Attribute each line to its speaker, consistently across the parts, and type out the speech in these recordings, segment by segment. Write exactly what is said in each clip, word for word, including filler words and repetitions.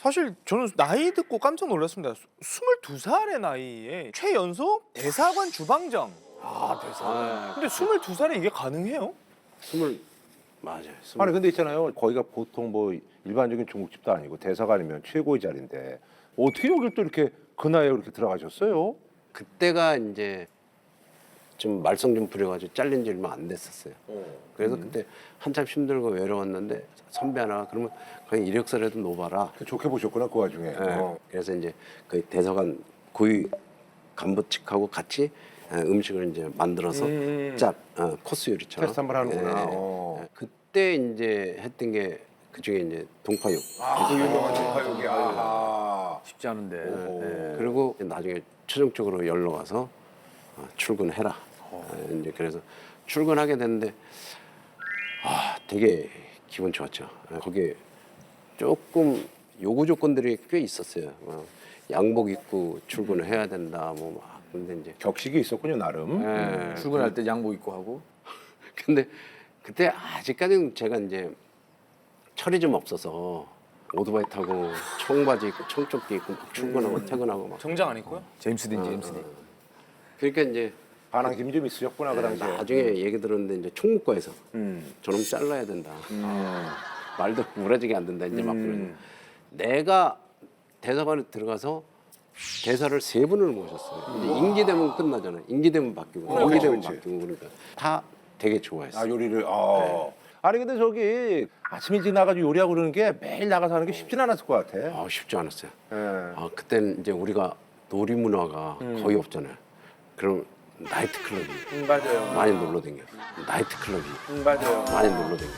Speaker 1: 사실 저는 나이 듣고 깜짝 놀랐습니다. 스물두 살의 나이에 최연소 대사관 주방장.
Speaker 2: 아 대사.
Speaker 1: 근데 스물두 살에 이게 가능해요?
Speaker 2: 스물 맞아요. 스물.
Speaker 3: 아니 근데 있잖아요. 거기가 보통 뭐 일반적인 중국집도 아니고 대사관이면 최고의 자리인데 어떻게 여길 또 이렇게 그 나이에 이렇게 들어가셨어요?
Speaker 2: 그때가 이제 좀 말썽 좀 부려가지고 잘린 지 얼마 안 됐었어요. 그래서 그때 한참 힘들고 외로웠는데 선배 하나 그러면 그냥 이력서라도 놓아라.
Speaker 3: 좋게 보셨구나 그 와중에.
Speaker 2: 예.
Speaker 3: 어.
Speaker 2: 그래서 이제 그 대사관 고위 간부 측하고 같이 예, 음식을 이제 만들어서
Speaker 1: 음.
Speaker 2: 짭 어, 코스 요리처럼
Speaker 3: 테스트 한번 하는구나.
Speaker 2: 예, 예.
Speaker 3: 어.
Speaker 2: 예. 그때 이제 했던 게 그중에 이제 동파육.
Speaker 3: 아, 그 유명한 동파육이. 아.
Speaker 4: 쉽지 않은데.
Speaker 3: 오.
Speaker 4: 네.
Speaker 2: 그리고 나중에 최종적으로 연락와서 어, 출근해라. 예, 이제 그래서 출근하게 됐는데 아 되게 기분 좋았죠. 예, 거기에 조금 요구 조건들이 꽤 있었어요. 어, 양복 입고 출근을 해야 된다. 뭐 막. 근데 이제
Speaker 3: 격식이 있었군요 나름.
Speaker 2: 예,
Speaker 4: 출근할 때 양복 입고 하고.
Speaker 2: 근데 그때 아직까지는 제가 이제 철이 좀 없어서 오토바이 타고 청바지 입고 청조끼 입고 막 출근하고 퇴근하고 막.
Speaker 1: 정장 안 입고요?
Speaker 4: 제임스 딘, 제임스 딘.
Speaker 2: 그러니까 이제
Speaker 3: 반항 힘이 좀 있으셨구나 그 당시에.
Speaker 2: 나중에 얘기 들었는데 이제 총무과에서
Speaker 3: 음.
Speaker 2: 저놈 잘라야 된다.
Speaker 3: 음.
Speaker 2: 말도 무라지게 안 된다. 이제 막 그러는. 내가 대사관에 들어가서 대사를 세 분을 모셨어요. 이제 임기 되면 끝나잖아요. 임기 되면 바뀌고, 임기 되면
Speaker 3: 그렇지.
Speaker 2: 바뀌고 그러니까 다 되게
Speaker 3: 아
Speaker 2: 좋아했어요.
Speaker 3: 요리를. 아. 아니 근데 저기 아침 일찍 나가지고 요리하고 그러는 게 매일 나가서 하는 게 쉽진 않았을 것 같아.
Speaker 2: 아, 쉽지 않았어요.
Speaker 3: 예.
Speaker 2: 아 그때는 이제 우리가 놀이 문화가 거의 없잖아요. 그럼 나이트 클럽이
Speaker 1: 음, 맞아요.
Speaker 2: 많이 놀러 다녀. 나이트 클럽이
Speaker 1: 음, 맞아요.
Speaker 2: 많이 놀러 다녀.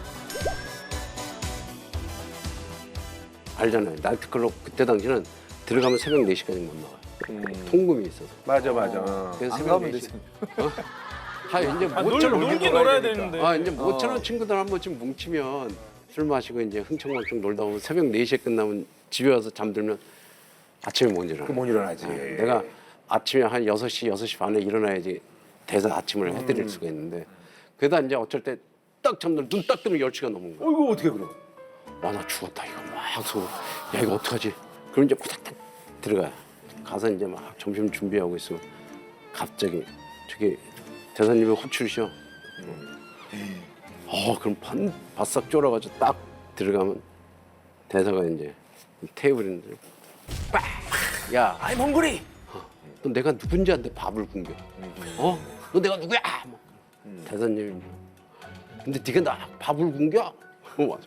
Speaker 2: 알잖아요. 나이트 클럽 그때 당시는 들어가면 새벽 네 시까지 못 나와요. 통금이 있어서.
Speaker 3: 맞아 맞아.
Speaker 2: 그래서
Speaker 4: 안
Speaker 2: 새벽
Speaker 4: 가면
Speaker 2: 네 시.
Speaker 4: 되지.
Speaker 2: 아 이제
Speaker 1: 아, 놀,
Speaker 2: 모처럼
Speaker 1: 놀긴 놀아야 되는데.
Speaker 2: 아 이제 모처럼 친구들 한 번쯤 뭉치면 술 마시고 이제 흥청망청 놀다 보면 새벽 네 시에 끝나면 집에 와서 잠들면 아침에 못 일어나.
Speaker 3: 그못 일어나지.
Speaker 2: 내가 아침에 한 여섯 시, 여섯 시 반에 일어나야지 대사 아침을 해드릴 수가 있는데 그러다 이제 어쩔 때 딱 잠들 눈 딱 뜨면 열 시가 넘은 거야.
Speaker 3: 어이구 어떻게 그럼?
Speaker 2: 와 나 죽었다 이거 막 소. 야 이거 어떡하지? 그럼 이제 후닥닥 들어가요. 가서 이제 막 점심 준비하고 있으면 갑자기 저기 대사님이 호출이셔. 어 그럼 반 바싹 쫄아가지고 딱 들어가면 대사가 이제 테이블인데 빡! 야
Speaker 1: 아이 몽골이.
Speaker 2: 너 내가 누군지한테 밥을 굶겨. 어? 너 내가 누구야? 뭐. 대사님이 근데 네가 나 밥을 굶겨? 어 맞아.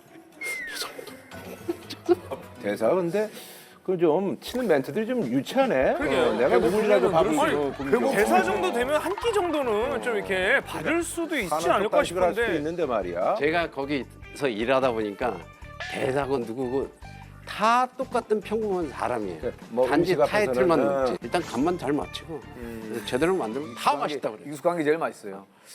Speaker 2: 죄송합니다.
Speaker 3: 대사 근데 그 좀 치는 멘트들이 좀 유치하네.
Speaker 1: 그러게요.
Speaker 3: 어, 내가 누구라도 밥을
Speaker 1: 아니,
Speaker 3: 줘.
Speaker 1: 결국 대사 정도 되면 한 끼 정도는 좀 이렇게 받을 수도 있지 않을까
Speaker 3: 할 수도
Speaker 1: 싶은데.
Speaker 3: 있는데 말이야.
Speaker 2: 제가 거기서 일하다 보니까 대사고 누구고 다 똑같은 평범한 사람이에요.
Speaker 3: 그, 뭐
Speaker 2: 단지
Speaker 3: 음식 앞에서는,
Speaker 2: 타이틀만
Speaker 3: 어.
Speaker 2: 높지. 일단 간만 잘 맞추고 제대로 만들면 다 맛있다 그래요.
Speaker 4: 익숙한 게 제일 맛있어요.